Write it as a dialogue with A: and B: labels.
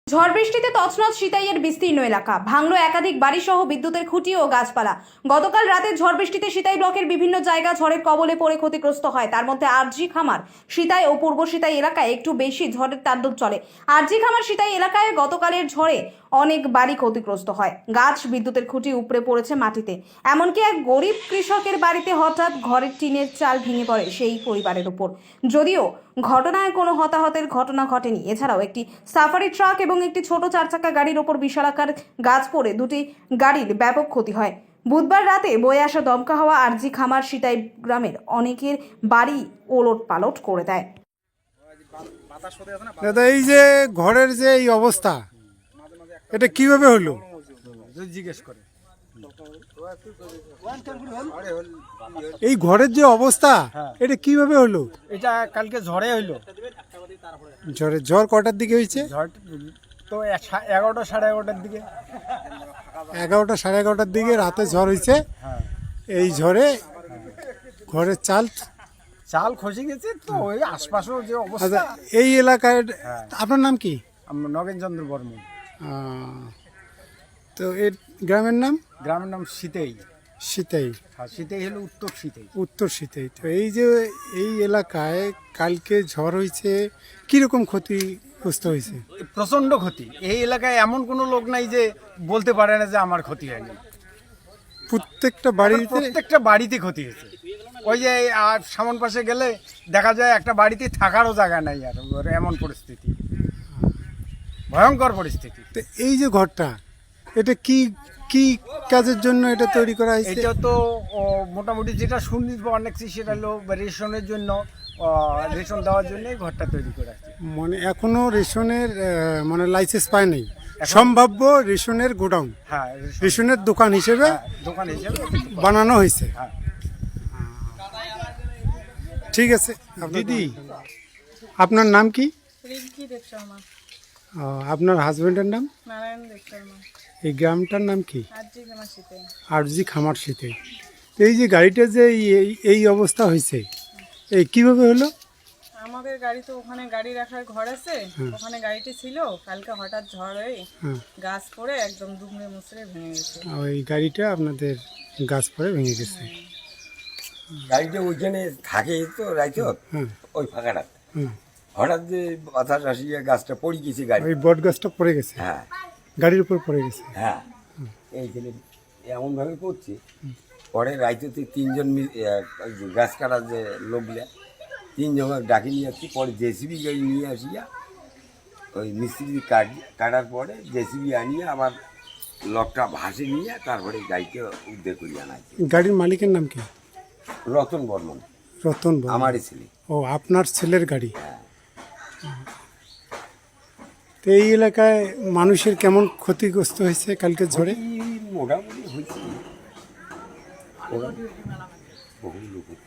A: ঝড় বৃষ্টিতে তছনছ সিতাইয়ের বিস্তীর্ণ এলাকা, ভাঙলো একাধিক বাড়িসহ বিদ্যুতের খুঁটি ও গাছপালা। গতকাল রাতে ঝড় বৃষ্টিতে সিতাই ব্লকের বিভিন্ন জায়গা ঝড়ের কবলে পড়ে ক্ষতিগ্রস্ত হয়। তার মধ্যে আরজি খামার, সিতাই ও পূর্ব সিতাই এলাকায় একটু বেশি ঝড়ের তাণ্ডব চলে। আরজি খামার সিতাই এলাকায় গতকালের ঝড়ে অনেক বাড়ি ক্ষতিগ্রস্ত হয়। গাছ, বিদ্যুতের খুঁটি উপড়ে পড়েছে মাটিতে। এমনকি এক গরিব কৃষকের বাড়িতে হঠাৎ ঘরের টিনের চাল ভেঙে পড়ে সেই পরিবারের উপর। যদিও ঘটনায় কোনো হতাহতের ঘটনা ঘটেনি। এছাড়াও একটি সাফারি ট্রাক এবং একটি ছোট চারচাকা গাড়ির ওপর বিশালাকার গাছ পড়ে দুটি গাড়ির ব্যাপক ক্ষতি হয়। বুধবার রাতে বয়ে আসা দমকা হাওয়া আরজি খামার সিতাই গ্রামের অনেকের বাড়ি ওলট পালট করে দেয়।
B: দাদা, এই যে ঘরের যে এই অবস্থা, এটা কিভাবে হলো
C: জিজ্ঞেস করে।
B: এই ঘরের যে অবস্থা, এটা কিভাবে হলো?
C: এটা কালকে ঝড়ে হইলো।
B: ঝড় কটার দিকে হয়েছে?
C: ঝড় তো 11টা সাড়ে 11টার দিকে।
B: 11টা সাড়ে 11টার দিকে রাতে ঝড় হয়েছে। এই ঝড়ে ঘরের চাল
C: খসে গেছে। তো ওই আশপাশেও যে অবস্থা।
B: আচ্ছা, এই এলাকায় আপনার নাম কি?
C: নগেন চন্দ্র বর্মন।
B: তো এর গ্রামের নাম?
C: গ্রামের নাম সিতাই।
B: সিতাই।
C: সিতাই হলো উত্তর সিতাই।
B: উত্তর সিতাই। তো এই যে এই এলাকায় কালকে ঝড় হয়েছে, কিরকম ক্ষতিগ্রস্ত হয়েছে?
C: প্রচন্ড ক্ষতি। এই এলাকায় এমন কোনো লোক নাই যে বলতে পারে না যে আমার ক্ষতি হয়নি।
B: প্রত্যেকটা
C: বাড়িতে ক্ষতি হয়েছে। ওই যে আর সামন পাশে গেলে দেখা যায় একটা বাড়িতে থাকারও জায়গা নাই, আর এমন পরিস্থিতি, ভয়ঙ্কর পরিস্থিতি।
B: তো এই যে ঘরটা, এটা কি কি কাজের জন্য এটা তৈরি করা হয়েছে?
C: এটা তো মোটামুটি যেটা শুনি অনেক, সেটা হলো রেশনের জন্য, রেশন দেওয়ার জন্য ঘরটা তৈরি করা আছে।
B: মানে এখনো রেশনের মানে লাইসেন্স পায় নাই, সম্ভাব্য রেশনের গোডাউন, রেশনের দোকান হিসেবে বানানো হয়েছে। ঠিক আছে দিদি, আপনার নাম কি?
D: রিঙ্কি দেব শর্মা।
B: আপনার হাজবেন্ডের নাম?
D: নারায়ণ দেব শর্মা।
B: এই গ্রামটার নাম কি?
D: আরজি খামার সিতাই।
B: আরজি খামার সিতাই। এই যে গাড়িটা যে এই অবস্থা হয়েছে, এই কিভাবে হলো?
D: আমাদের গাড়ি তো ওখানে গাড়ি রাখার ঘর আছে, ওখানে গাড়িটি ছিল। কালকে হঠাৎ ঝড় হয়ে গাছ পড়ে একদম দুমড়ে মুচড়ে ভেঙে গেছে।
B: ওই গাড়িটা আপনাদের গাছ পড়ে ভেঙে গেছে।
E: গাড়িটা ওইখানে থাকে তো রাইতে ওই ফাঁকাটা, হঠাৎ যে বাতাস আসিয়া গাছটা পড়ে গেছে, গাড়ি
B: ওই বট গাছটা পড়ে গেছে।
E: হ্যাঁ,
B: গাড়ির উপর পড়ে গেছে।
E: হ্যাঁ, এইখানে এমনভাবে পড়ছে। পরে রাইতে তিনজন গাছ কাটার যে লোকগুলা, তিনজন ডাকি নিয়ে আসছি। পরে জেসিবি গাড়ি নিয়ে আসিয়া ওই মিস্ত্রি কাটার পরে জেসিবি আনিয়ে আবার লকটা ভাসে নিয়ে তারপরে গাড়িকে উদ্ধার করিয়ে আনা হয়েছে।
B: গাড়ির মালিকের নাম কি?
E: রতন বর্মন।
B: রতন বর্মন
E: আমারই ছেলে।
B: ও, আপনার ছেলের গাড়ি।
E: হ্যাঁ।
B: তো এই এলাকায় মানুষের কেমন ক্ষতিগ্রস্ত হয়েছে কালকে ঝড়ে?
E: মোটামুটি হয়েছে, বহু লোক